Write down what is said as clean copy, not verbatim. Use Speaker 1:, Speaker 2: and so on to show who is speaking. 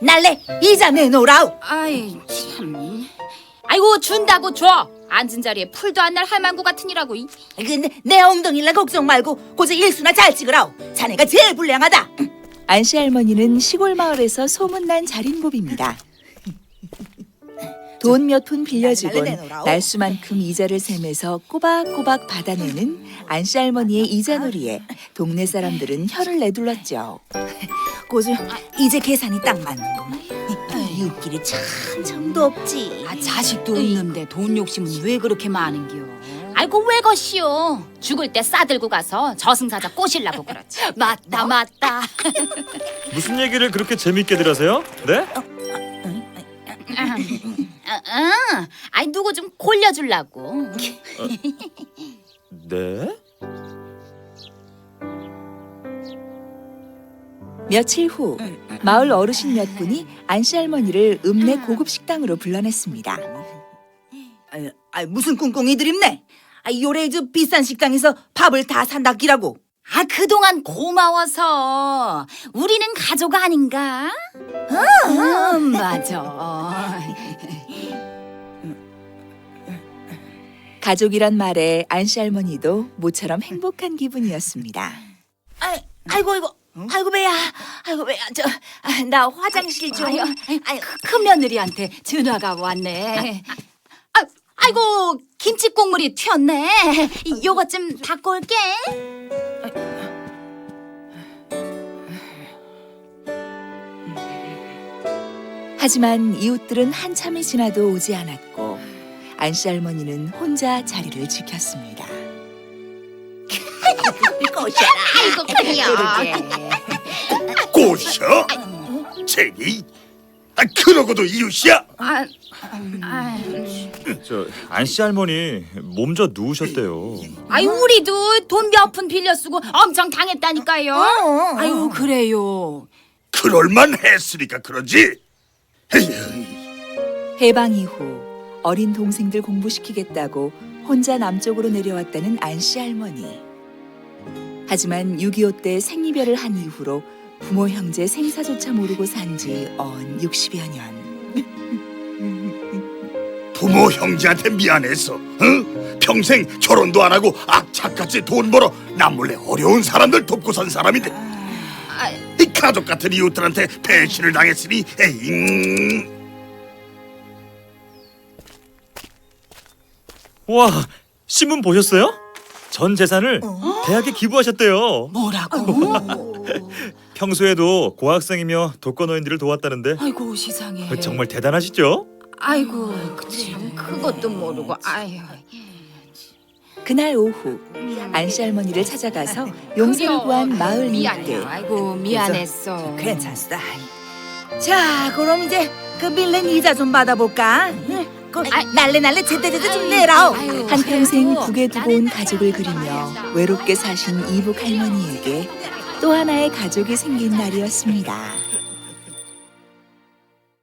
Speaker 1: 날래 이자 내놓으라우.
Speaker 2: 아이 참. 아이고 준다고 줘. 앉은 자리에 풀도 안 날 할망구 같으니라고.
Speaker 1: 근데 내 엉덩이라 걱정 말고 고저 일수나 잘 찍으라우. 자네가 제일 불량하다.
Speaker 3: 안씨 할머니는 시골 마을에서 소문난 자린고비입니다. 돈 몇 푼 빌려주곤 날수만큼 이자를 세면서 꼬박꼬박 받아내는 안씨 할머니의 이자놀이에 동네 사람들은 혀를 내둘렀죠.
Speaker 1: 고저 이제 계산이 딱 맞는구만. 이 웃길이 참 정도 없지.
Speaker 2: 아 자식도 없는데 돈 욕심은 왜 그렇게 많은겨? 아이고 왜 것이요? 죽을 때 싸들고 가서 저승사자 꼬실라고 그러지. 맞다 맞다.
Speaker 4: 무슨 얘기를 그렇게 재밌게들 하세요? 네?
Speaker 2: 아이 누구 좀 골려주려고.
Speaker 4: 네?
Speaker 3: 며칠 후 마을 어르신 몇 분이 안씨 할머니를 읍내 고급 식당으로 불러냈습니다.
Speaker 1: 무슨 꿍꿍이 드립네. 요래 저 비싼 식당에서 밥을 다 산다기라고.
Speaker 2: 아 그동안 고마워서 우리는 가족 아닌가? 맞아.
Speaker 3: 가족이란 말에 안씨 할머니도 모처럼 행복한 기분이었습니다.
Speaker 1: 아이고 배야. 아이고 배야. 나 화장실 좀.
Speaker 2: 큰 며느리한테 전화가 왔네. 아이고 김치 국물이 튀었네. 요것 좀 닦고 올게.
Speaker 3: 하지만 이웃들은 한참이 지나도 오지 않았고 안씨 할머니는 혼자 자리를 지켰습니다.
Speaker 2: 아이고 그래요.
Speaker 5: 꼬셔? 쟤니? 그러고도 이웃이야?
Speaker 4: 저 안씨 할머니 몸 저 누우셨대요.
Speaker 2: 아이 우리도 돈 몇 푼 빌려 쓰고 엄청 당했다니까요. 아유 그래요.
Speaker 5: 그럴만 했으니까 그러지. 에휴,
Speaker 3: 해방 이후 어린 동생들 공부시키겠다고 혼자 남쪽으로 내려왔다는 안씨 할머니. 하지만 6.25 때 생이별을 한 이후로 부모 형제 생사조차 모르고 산 지 언 60여 년.
Speaker 5: 부모 형제한테 미안해서 평생 결혼도 안 하고 악착같이 돈 벌어 남몰래 어려운 사람들 돕고 산 사람인데 이 가족 같은 이웃들한테 배신을 당했으니 에잉.
Speaker 4: 와, 신문 보셨어요? 전 재산을 대학에 기부하셨대요.
Speaker 2: 뭐라고?
Speaker 4: 평소에도 고학생이며 독거노인들을 도왔다는데
Speaker 2: 아이고 세상에.
Speaker 4: 정말 대단하시죠?
Speaker 2: 아이고 참 그것도 모르고 아유.
Speaker 3: 그날 오후 안씨 할머니를 찾아가서 용서를 구한 마을
Speaker 2: 미안해.
Speaker 3: 이웃들.
Speaker 2: 아이고 미안했어.
Speaker 1: 괜찮다. 자, 그럼 이제 그 빌린 이자 좀 받아볼까? 날래 제때제때 좀 내라오.
Speaker 2: 아유,
Speaker 3: 한평생
Speaker 2: 그래도
Speaker 3: 북에 두고 온 가족을 그리며 외롭게 사신 이북 할머니에게 또 하나의 가족이 생긴 날이었습니다.